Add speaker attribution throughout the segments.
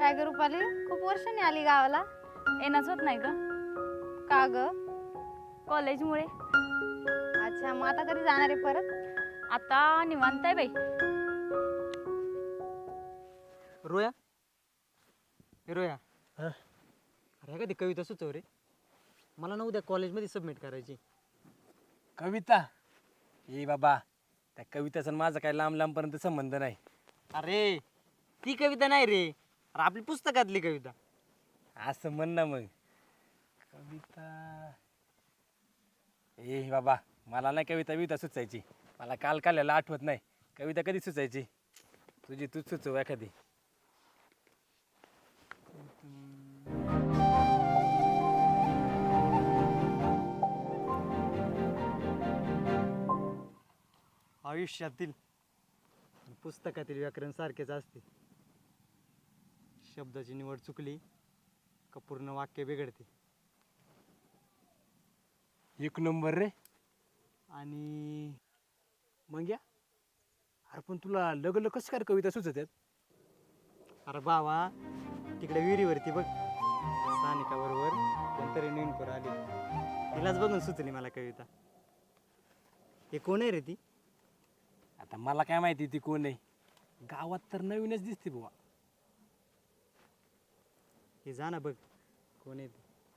Speaker 1: काय ग रुपाली, खूप वर्षांनी आली गावाला.
Speaker 2: येणंच होत नाही ग,
Speaker 1: का ग?
Speaker 2: कॉलेजमुळे.
Speaker 1: अच्छा, मग आता कधी जाणार आहे परत?
Speaker 2: आता निवांत आहे बाई.
Speaker 3: रोया हे रोया
Speaker 4: हा?
Speaker 3: अरे कधी कविता सुचव रे. मला ना उद्या कॉलेजमध्ये सबमिट करायची.
Speaker 4: कविता? ए बाबा, त्या कविताचा आणि माझा काय लांब लांबपर्यंत संबंध नाही.
Speaker 3: अरे ती कविता नाही रे, अरे आपली पुस्तकातली कविता.
Speaker 4: असं म्हण ना मग. कविता ए बाबा, मला नाही कविता सुचायची. मला काल काल्याला आठवत नाही. कविता कधी सुचायची? तुझी तूच सुचव एखादी.
Speaker 3: आयुष्यातील आणि पुस्तकातील व्याकरण सारखेच असते. शब्दाची निवड चुकली का पूर्ण वाक्य बिघडते.
Speaker 4: एक नंबर रे.
Speaker 3: आणि
Speaker 4: मग या, अरे पण तुला लगल कसं काय कविता सुचतात?
Speaker 3: अरे बाबा, तिकडे विहिरीवरती बघ, सानिका बरोबर कोणतरी नवीन पोरं आली, तिलाच बघून सुचली मला कविता. हे कोण आहे रे ती?
Speaker 4: आता मला काय माहिती ती कोण आहे. गावात तर नवीनच दिसते बुवा.
Speaker 3: हे जा ना बघ कोण आहे ती.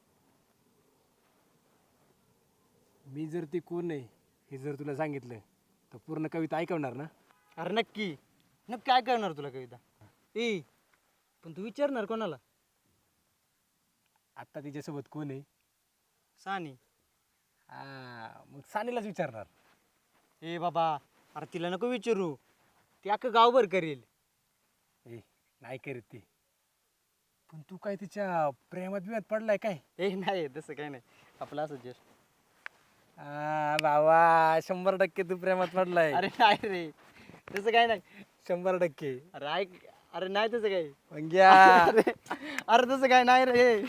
Speaker 4: मी जर ती कोण आहे हे जर तुला सांगितलं तर पूर्ण कविता ऐकवणार ना?
Speaker 3: अरे नक्की नक्की काय करणार तुला कविता. ए पण तू विचारणार कोणाला?
Speaker 4: आत्ता तिच्यासोबत कोण आहे?
Speaker 3: सानी.
Speaker 4: मग सानीलाच विचारणार.
Speaker 3: ए बाबा, अरे तिला नको विचारू, ती अख्खं गावभर करेल.
Speaker 4: ए नाही करीत ती. पण तू काय तिच्या प्रेमात बिमात पडलाय काय?
Speaker 3: ए नाही तसं काही नाही, आपलं असं जस्ट.
Speaker 4: बाबा 100% तू प्रेमात पडलाय.
Speaker 3: अरे नाही रे, तसं काही नाही.
Speaker 4: 100%.
Speaker 3: अरे ऐक, अरे नाही तसं काही.
Speaker 4: पंग्या.
Speaker 3: अरे तसं काही नाही रे.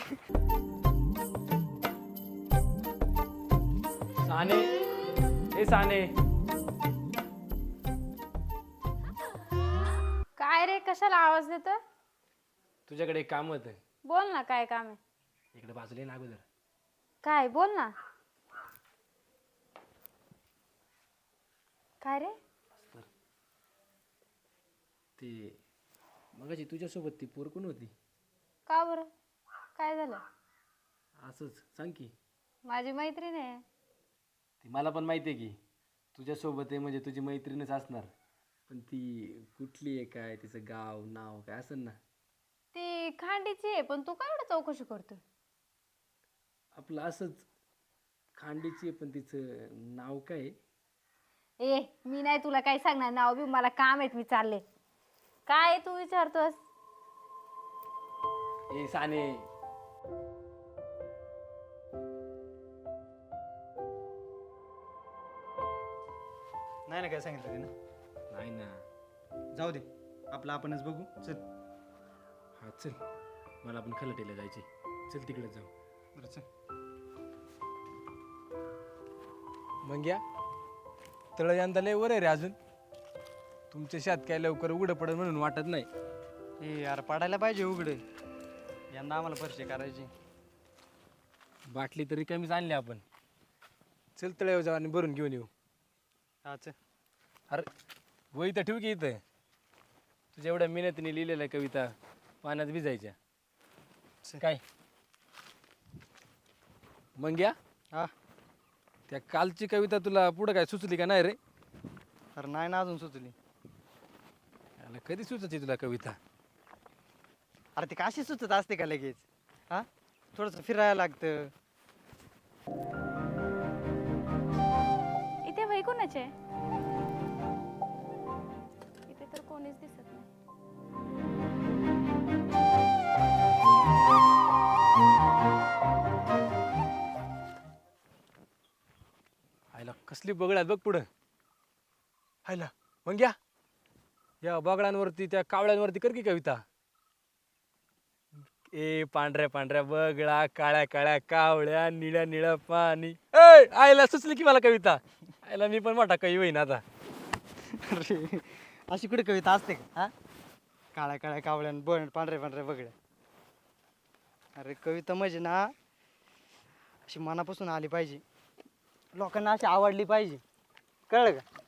Speaker 4: साने, ए साने.
Speaker 1: काय रे, कशाला आवाज देतोय?
Speaker 4: तुझ्याकडे एक काम होतं.
Speaker 1: बोल ना, काय काम आहे?
Speaker 4: इकडे बाजूला ये ना अगोदर.
Speaker 1: काय, बोल ना. काय रे?
Speaker 4: ती मगाशी तुझ्यासोबत ती पोर कोण होती?
Speaker 1: का बरं, काय झालं?
Speaker 4: असंच सांग की.
Speaker 1: माझी मैत्रीण आहे.
Speaker 4: ती मला पण माहिती आहे की तुझ्यासोबत आहे म्हणजे तुझी मैत्रीणच असणार. पण ती कुठली आहे, काय तिचं गाव नाव काय असेल ना?
Speaker 1: ती खांडीची आहे, पण तू काय एवढं चौकशी करतोय?
Speaker 4: आपलं असंच खांडीची आहे, पण तिचं नाव काय आहे?
Speaker 1: ए मी नाही तुला काही सांगणार, नाव बी मला काम आहेत, मी चालले. काय तू विचारतोस?
Speaker 4: ए साने.
Speaker 3: नाही ना काय सांगितलं ते ना.
Speaker 4: नाही ना.
Speaker 3: जाऊ दे, आपलं आपणच बघू. चल.
Speaker 4: हा चल, मला पण खलटेला जायचे. चल तिकडे जाऊ.
Speaker 3: बरं चल.
Speaker 4: मग या तळ यंदा लय वर आहे रे अजून. तुमच्या शेत काय लवकर उघडं पडेल म्हणून वाटत नाही.
Speaker 3: ए यार पडायला पाहिजे उघडे. यंदा आम्हाला परिचय करायची.
Speaker 4: बाटली तरी कमीच आणली आपण. चल तळ्यावर जाऊ आणि भरून घेऊन येऊ.
Speaker 3: हा चल.
Speaker 4: अरे वही तर ठेव की इथं. तुझ्या एवढ्या मेहनतीने लिहिलेल्या कविता पाण्यात भिजायच्या. काय मग या.
Speaker 3: हा.
Speaker 4: त्या कालची कविता तुला पुढं काय सुचली का नाही रे?
Speaker 3: अरे नाही ना अजून सुचली.
Speaker 4: अरे कधी सुचते तुला कविता?
Speaker 3: अरे ती काशी सुचत असते का लगेच? हा, थोडंसं फिरायला लागतं.
Speaker 2: इथे वही कोणाचे? इथे तर कोणीच दिसत नाही.
Speaker 4: आयला कसली बगड आहेत बघ पुढं. हायला मग या बगडांवरती त्या कावळ्यांवरती कर की कविता. ए पांढऱ्या पांढऱ्या बगळा, काळ्या काळ्या कावळ्या, निळ्या निळ्या पाणी. ए आयला सुचली की मला कविता. आयला मी पण मोठा कवी होईन आता.
Speaker 3: अरे अशी कुठे कविता असते का? हा, काळ्या काळ्या कावळ्यान पांढऱ्या पांढऱ्या बघड्या. अरे कविता म्हणजे ना अशी मनापासून आली पाहिजे, लोकांना अशी आवडली पाहिजे, कळलं का?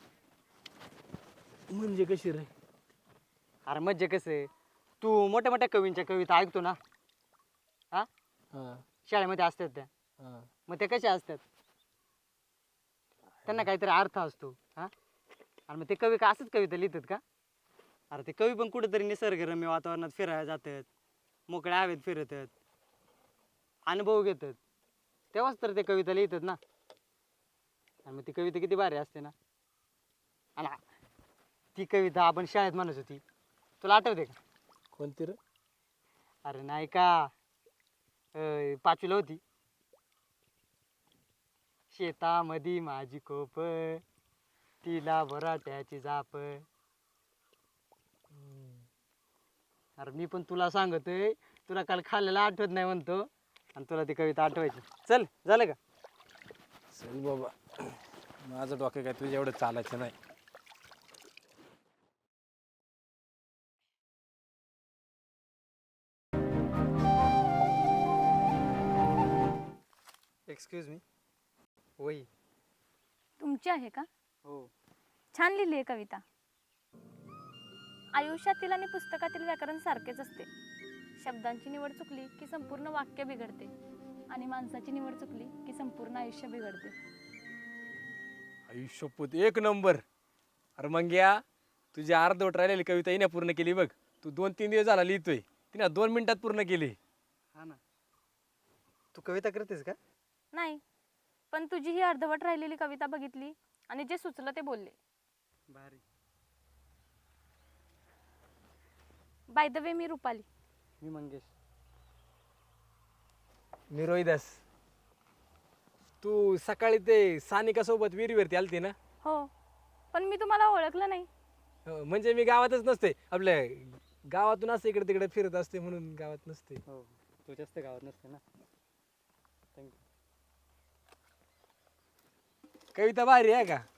Speaker 4: म्हणजे कशी रे?
Speaker 3: अरे म्हणजे कसं आहे, तू मोठ्या मोठ्या कवींच्या कविता ऐकतो ना, हा
Speaker 4: हां
Speaker 3: शाळेमध्ये असतात त्या,
Speaker 4: हां.
Speaker 3: मग त्या कशा असतात? त्यांना काहीतरी अर्थ असतो, हा. आणि मग ते कवी का असंच कविता लिहितात का? अरे ते कवी पण कुठेतरी निसर्गरम्य वातावरणात फिरायला जातात, मोकळ्या हवेत फिरतात, अनुभव घेतात, तेव्हाच तर ते कविता लिहितात ना. आणि मग ती कविता किती भारी असते ना. आणि ती कविता आपण शाळेत म्हणत होती, तुला आठवते का?
Speaker 4: कोणती रे?
Speaker 3: अरे नाही का, पाचवीला होती. शेतामधी माझी कोप, तिला बराट्याची जाप. अरे मी पण तुला सांगतोय, तुला काल खाल्लेला आठवत नाही म्हणतो, आणि तुला ती कविता आठवायची. चल झालं का?
Speaker 4: चल बाबा, माझं डोकं काय तुझ्या एवढं चालायचं नाही.
Speaker 3: Excuse me. वही.
Speaker 2: तुमची आहे का?
Speaker 3: हो.
Speaker 2: छान लिहिली आहे कविता. आयुष्यातील आणि पुस्तकातील व्याकरण सारखेच असते. शब्दांची निवड चुकली की संपूर्ण वाक्य बिघडते आणि माणसाची निवड चुकली की संपूर्ण आयुष्य बिघडते.
Speaker 4: आयुष्यपूत एक नंबर. अरे मग या तुझी अर्धवट राहिलेली कविता हिने पूर्ण केली बघ. तू 2-3 दिवस झाला लिहितोय, तिने 2 मिनिटात पूर्ण केली.
Speaker 3: हा ना. तू कविता करतेस का?
Speaker 2: नाही, पण तुझी ही अर्धवट राहिलेली कविता बघितली आणि जे सुचलं ते बोलले.
Speaker 3: भारी.
Speaker 2: बाय द वे, मी रुपाली.
Speaker 3: मी मंगेश.
Speaker 4: मी रोहिदास. तू सकाळी ते सानिका सोबत विहिरीवरती आलती ना?
Speaker 2: हो, पण मी तुम्हाला ओळखलं नाही.
Speaker 4: म्हणजे मी गावातच नसते, आपल्या गावातून असते इकडे तिकडे फिरत असते म्हणून गावात नसते.
Speaker 3: हो, तू जास्त गावात नसते ना. थँक्यू.
Speaker 4: कविता भारी आहे का?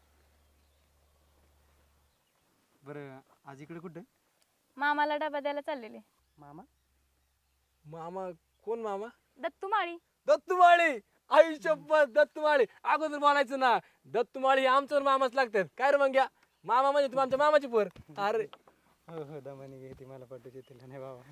Speaker 3: बरं आज इकडे कुठे?
Speaker 2: मामाला डबा द्यायला चाललेले.
Speaker 3: मामा?
Speaker 4: मामा? कोण मामा?
Speaker 2: दत्तूमाळी.
Speaker 4: दत्तुमाळी. आयुष्यपत दत्तुमाळी. अगोदर बोलायचं ना, दत्तुमाळी आमचं मामाच लागतात. काय रे मग घ्या, मामा म्हणजे तू आमच्या मामाची पोर. अरे
Speaker 3: हो हो, दमानी घेते मला पटवते तिला नाही बाबा.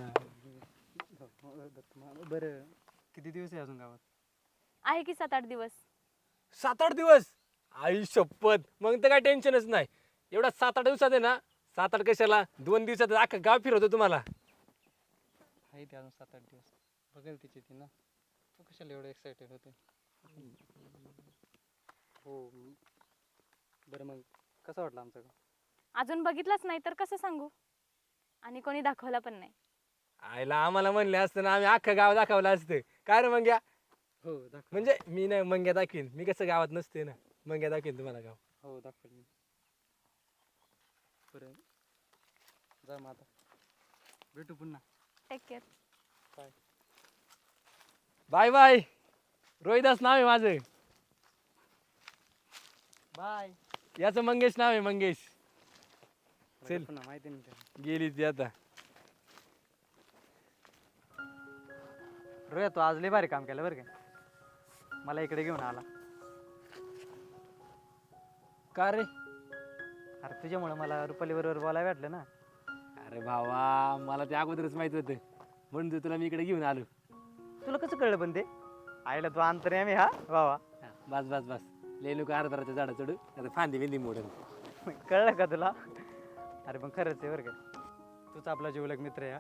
Speaker 3: बरं किती दिवस आहे अजून गावात?
Speaker 2: आहे की 7-8 दिवस.
Speaker 4: 7-8 दिवस? आयुष्यपत मग तर काय टेन्शनच नाही. एवढा 7-8 दिवसात आहे ना, 7-8 कशाला 2 दिवसात अख्खा गाव फिरवतो तुम्हाला.
Speaker 3: आहे ते अजून 7-8 दिवस. बघेल तिची ती ना. तू कशाला एवढं एक्सायटेड होते? हो. बरं मग कसं वाटलं आमचं गाव?
Speaker 2: अजून बघितलंच नाही तर कसं सांगू, आणि कोणी दाखवला पण नाही.
Speaker 4: आईला आम्हाला म्हणले असतं ना, आम्ही अख्खं गाव दाखवलं असतं. काय रे मंग्या?
Speaker 3: हो दाखव.
Speaker 4: म्हणजे मी नाही, मंग्या दाखवीन. मी कसं गावात नसते ना, मंग्या दाखवीन तुम्हाला गाव.
Speaker 3: हो दाखवेल मी. बरं जा मग आता, भेटू पुन्हा.
Speaker 2: Take care.
Speaker 3: Bye.
Speaker 4: Bye bye. Rohidas नाव आहे माझं.
Speaker 3: बाय.
Speaker 4: याचं मंगेश नाव आहे, मंगेश. चल.
Speaker 3: पुन्हा माहिती नाही त्याला.
Speaker 4: गेली ती आता.
Speaker 3: रोया तू आज लय भारी काम केलं बरं का, मला इकडे घेऊन आला.
Speaker 4: का रे?
Speaker 3: अरे तुझ्यामुळे मला रुपाली बरोबर बोलायला भेटलं ना.
Speaker 4: अरे भावा, मला ते अगोदरच माहित होतं म्हणून तर तुला मी इकडे घेऊन आलो.
Speaker 3: तुला कसं कळलं पण ते? आईला तू अंतर्यामी हा बाबा.
Speaker 4: बस बस बस, लय लोक अर्धाराच्या झाडा चढू आता फांदी बिंदी मोडून.
Speaker 3: कळलं का तुला? अरे पण खरंच आहे बरं का, तूच आपला जीवलग मित्र आहे हा.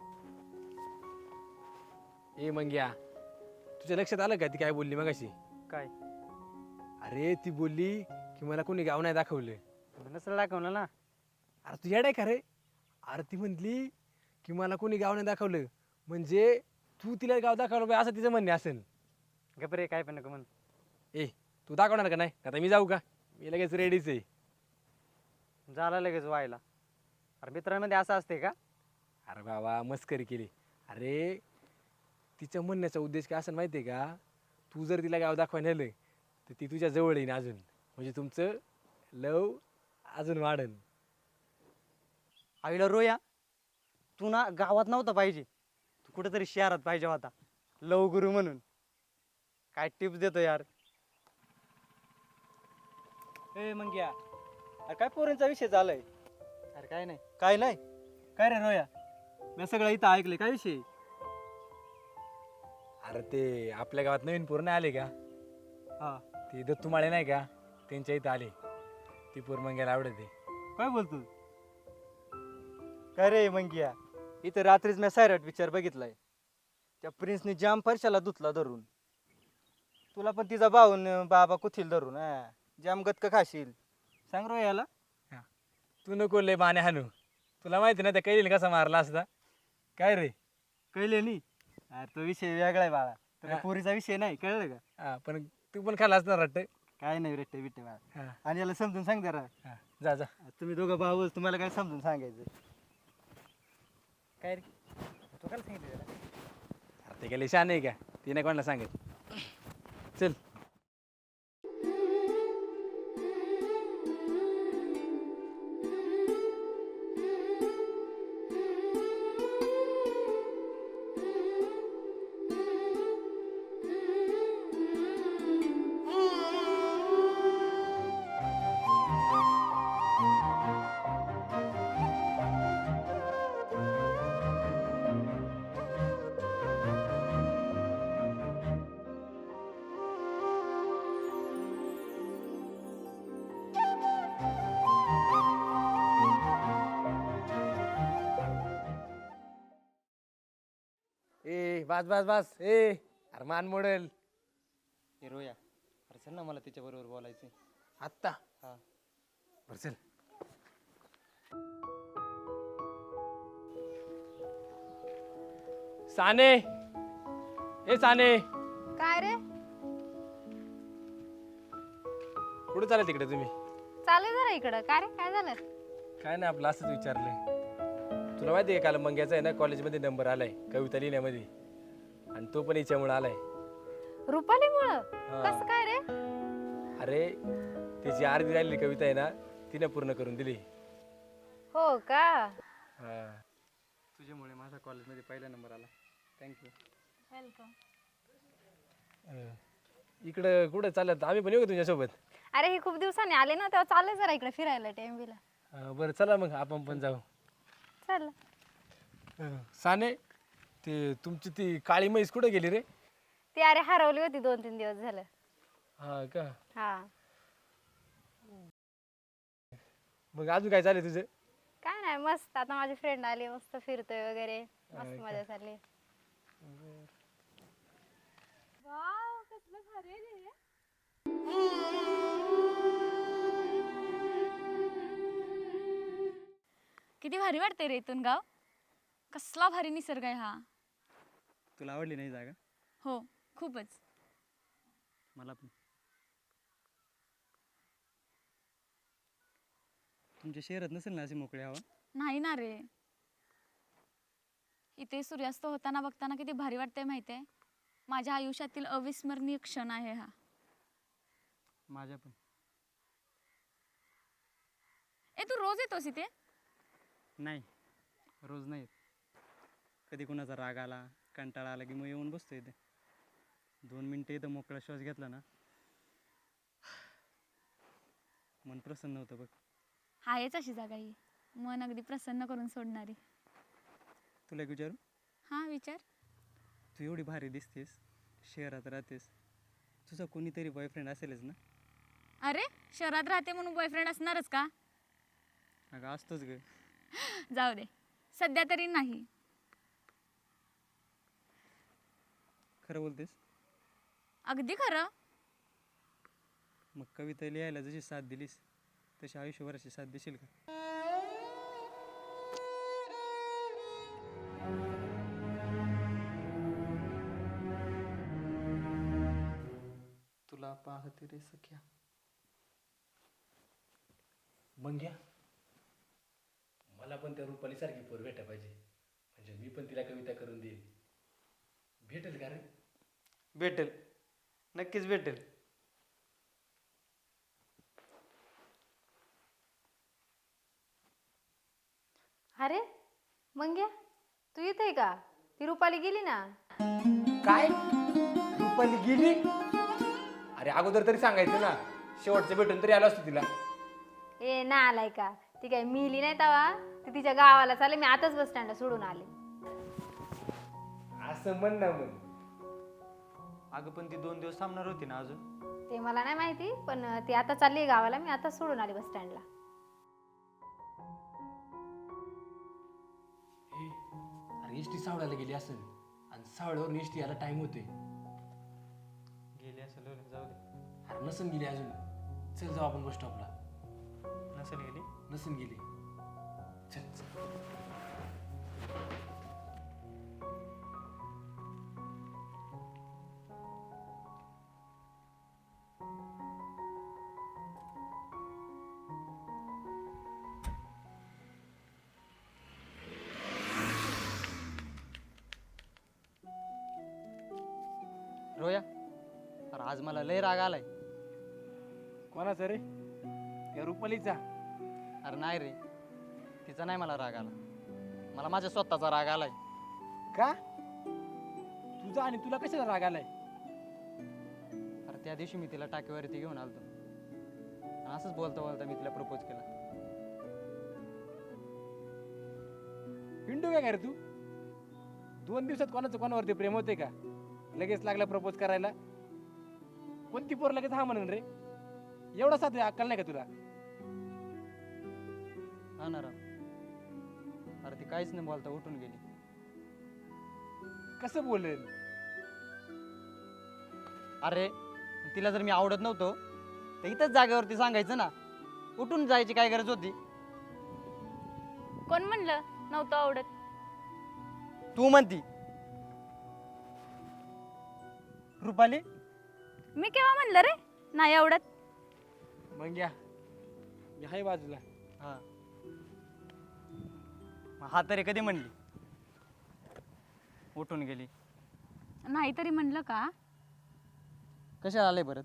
Speaker 4: ए मंग्या, तुझ्या लक्षात आलं का ती काय बोलली मगाशी?
Speaker 3: काय?
Speaker 4: अरे ती बोलली की मला कोणी गाव नाही दाखवलं.
Speaker 3: नसेल दाखवलं ना.
Speaker 4: अरे तू येडाय का रे? अरे ती म्हणली की मला कोणी गाव नाही दाखवलं, म्हणजे तू तिला गाव दाखवलं पाहिजे असं तिचं म्हणणे असेल.
Speaker 3: गपरे काय पण नको म्हण.
Speaker 4: ए तू दाखवणार का नाही? आता मी जाऊ का? मी लगेच रेडीच आहे.
Speaker 3: झाला लगेच व्हायला. अरे मित्रांमध्ये असं असते का?
Speaker 4: अरे बाबा मस्करी केली. अरे तिच्या म्हणण्याचा उद्देश काय असेल माहिती आहे का? तू जर तिला गाव दाखवायला नेलं तर ती तुझ्या जवळ येईन अजून, म्हणजे तुमचं लव अजून वाढन.
Speaker 3: आईला रोया, तू ना गावात नव्हता पाहिजे, तू कुठेतरी शहरात पाहिजे होता लव गुरु म्हणून. काय टिप्स देतो यार. ए मंग्या, अरे काय पोरांचा विषय झालाय? अरे काय नाही काय नाही. काय रे रोया, मी सगळं इथं ऐकलंय, काय विषय?
Speaker 4: अरे ते आपल्या गावात नवीन पोरं नाही आले का?
Speaker 3: हा,
Speaker 4: ती दत्तूमाळे नाही का, त्यांच्या इथं आले. ती पोर मंग्याला आवडते.
Speaker 3: काय बोलतो? काय रे मंगिया, इथं रात्रीच मी सायराट पिक्चर बघितलाय. त्या प्रिन्सने जाम परशाला धुतला धरून. तुला पण तिचा भाऊन बाबा कुथील धरून जाम गतक खाशील. सांग रो याला.
Speaker 4: तू नको लय बाणे हाणू. तुला माहिती ना त्या कैलीने कसा मारला असता. काय रे?
Speaker 3: कळले नी? अरे तो विषय वेगळा आहे बाळा, तर
Speaker 4: हा.
Speaker 3: पोरीचा विषय नाही, कळलं का?
Speaker 4: हा पण तू पण खाल्ला असणार वाटतं.
Speaker 3: काय नाही रेट्टे बिट्टे बाळा.
Speaker 4: हा
Speaker 3: आणि याला समजून सांग जरा.
Speaker 4: हा जा जा.
Speaker 3: तुम्ही दोघं भाऊ, तुम्हाला काय समजून सांगायचं? काय रे तू काय सांगितलं त्याला?
Speaker 4: अरे ते गेले शान आहे का? तिने कोणाला सांगेल. चल. ए बस बस बस. अरे मान मोडेल.
Speaker 3: हे रोया, अरे चल ना, मला तिच्या बरोबर बोलायचंय.
Speaker 4: आत्ता?
Speaker 3: हा.
Speaker 4: बरं चल. साने, ए साने,
Speaker 1: काय रे?
Speaker 4: कुठे चालेल तिकडे तुम्ही?
Speaker 1: चालू जरा इकडं. काय रे, काय झालं?
Speaker 4: काय नाही, आपलं असंच विचारलंय. तुला माहिती आहे काल मंग्याचा आहे ना कॉलेजमध्ये नंबर आलाय कविता लिहिण्यामध्ये, आणि तो पण हिच्यामुळे आलाय.
Speaker 1: रुपालीमुळं?
Speaker 4: हा.
Speaker 1: कसं काय रे?
Speaker 4: अरे त्याची अर्धी राहिलेली कविता आहे ना, तिने पूर्ण करून दिली.
Speaker 1: हो का?
Speaker 4: हा.
Speaker 3: तुझ्यामुळे माझा कॉलेजमध्ये पहिला नंबर आला. थँक्यू.
Speaker 1: वेलकम.
Speaker 4: इकडं कुठं चालत? आम्ही पण येऊ का तुझ्यासोबत?
Speaker 1: अरे हे खूप दिवसांनी आले ना, तेव्हा चालले जरा इकडे फिरायला टेम्बीला.
Speaker 4: बरं चला मग आपण पण जाऊ.
Speaker 1: चल.
Speaker 4: साने, ते तुमची ती काळी म्हैस कुठे गेली रे?
Speaker 1: ती अरे हरवली होती 2-3 दिवस झालं.
Speaker 4: हा का?
Speaker 1: हा.
Speaker 4: मग अजून काय चालेल तुझं?
Speaker 1: काय नाही, मस्त. आता माझी फ्रेंड आली, मस्त फिरतोय वगैरे, मस्त मजा चालली. वाव, कसलं भारी आहे रे.
Speaker 2: किती भारी वाटते रे इथून गाव. कसला भारी निसर्ग आहे हा.
Speaker 3: तुला आवडली नाही जागा?
Speaker 2: हो, खूपच.
Speaker 3: मला पण. तुमच्या शहरात नसेल ना अशी मोकळी हवा?
Speaker 2: नाही ना रे. इथे सूर्यास्त होताना बघताना किती भारी वाटतंय माहिती आहे. माझ्या आयुष्यातील अविस्मरणीय क्षण आहे हा.
Speaker 3: माझ्या पण.
Speaker 2: तू रोज येतोस इथे?
Speaker 3: नाही, रोज नाही. कधी कुणाचा राग आला, कंटाळा आला की मग येऊन बसतो इथे. 2 मिनटं इथं मोकळा श्वास घेतला ना, मन प्रसन्न होतं बघ.
Speaker 2: आहेच अशी जागा ही, मन अगदी प्रसन्न करून सोडणारी.
Speaker 3: तुला एक विचारू?
Speaker 2: हां विचार.
Speaker 3: तू एवढी भारी दिसतेस, शहरात राहतेस, तुझा कोणीतरी बॉयफ्रेंड असेलच ना?
Speaker 2: अरे शहरात राहते म्हणून बॉयफ्रेंड असणारच का?
Speaker 3: अगं असतोच ग.
Speaker 2: जाऊ दे, सध्या तरी नाही.
Speaker 3: खरं बोलतेस?
Speaker 2: अगदी खरं.
Speaker 3: मग कविता लिहायला जशी साथ दिलीस तशी आयुष्यभराची साथ देशील का? तुला पाहते रे सख्या.
Speaker 4: मग घ्या. मला पण त्या रुपाली सारखी पोर भेटा पाहिजे, म्हणजे मी पण तिला कविता करून देईन. भेटेल का रे?
Speaker 3: भेटेल, नक्कीच भेटेल.
Speaker 1: अरे मंग्या, तू इथे आहे का? ती रुपाली गेली ना.
Speaker 4: काय रुपाली गेली? अरे अगोदर तरी सांगायचं ना, शेवटचं भेटून तरी आलो असतो तिला.
Speaker 1: ए ना आलाय का? ती काय मिली नाही तवा. ती तिच्या गावाला चालले, मी आताच बस स्टँडला सोडून आले.
Speaker 4: असं म्हण ना मग.
Speaker 3: अगं पण ती 2 दिवस थांबणार होती ना अजून.
Speaker 1: ते मला नाही माहिती, पण ती आता चालली गावाला, मी आता सोडून आले बस स्टँडला.
Speaker 4: अरे एसटी सावळ्याला गेली असेल आणि सावळ्यावर एसटी यायला टाइम होतोय.
Speaker 3: गेली असेल हो, जाऊ दे.
Speaker 4: अरे नसन गेली अजून. चल जाऊ आपण बस स्टॉपला.
Speaker 3: नसेल गेली.
Speaker 4: नसन गेली. चल चल.
Speaker 3: रोया, अरे आज मला लय राग आलाय.
Speaker 4: कोणाचा रे? या रुपालीचा?
Speaker 3: अरे नाही रे, तिचा नाही मला राग आला. मला माझ्या स्वतःचा राग आलाय.
Speaker 4: का? तुझा आणि तुला कशाला राग आलाय?
Speaker 3: अरे त्या दिवशी मी तिला टाकीवरती घेऊन आलतो आणि असंच बोलता बोलता मी तिला प्रपोज केला.
Speaker 4: हिंडू काय रे तू? 2 दिवसात कोणाचं कोणावरती प्रेम होते का? लगेच लागला प्रपोज करायला. कोणती पोर लगेच हा म्हणून रे? एवढा साथ अक्कल नाही का तुला?
Speaker 3: हा ना राव. अरे ती काहीच नाही बोलता उठून गेली.
Speaker 4: कसं बोलेल?
Speaker 3: अरे तिला जर मी आवडत नव्हतो तर इथंच जागेवरती सांगायचं ना. उठून जायची काय गरज होती?
Speaker 2: कोण म्हणलं नव्हतं आवडत?
Speaker 3: तू म्हणती. रुपाली,
Speaker 2: मी केव्हा म्हणलं रे नाही आवडत?
Speaker 4: मग या मी आहे बाजूला.
Speaker 3: हा मग हा तरी कधी म्हणली? उठून गेली.
Speaker 2: नाही तरी म्हणलं का?
Speaker 3: कशाला आले परत?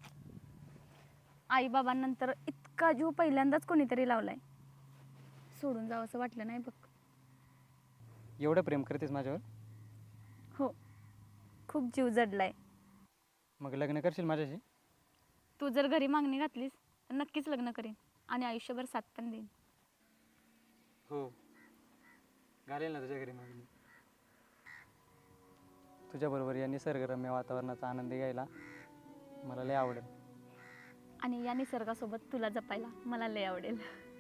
Speaker 2: आई बाबांनंतर इतका जीव पहिल्यांदाच कोणीतरी लावलाय. सोडून जावं असं वाटलं नाही बघ.
Speaker 3: एवढं प्रेम करतेस माझ्यावर?
Speaker 2: हो, खूप जीव जडलाय.
Speaker 3: मग लग्न करशील माझ्याशी?
Speaker 2: तू जर घरी मागणी घातलीस तर नक्कीच लग्न करेन आणि आयुष्यभर साथ पण देईन.
Speaker 3: हो, घालेल ना तुझ्या घरी मागणी. तुझ्याबरोबर या निसर्गरम्य वातावरणाचा आनंद घ्यायला मला लय आवडेल.
Speaker 2: आणि या निसर्गासोबत तुला जपायला मला लय आवडेल.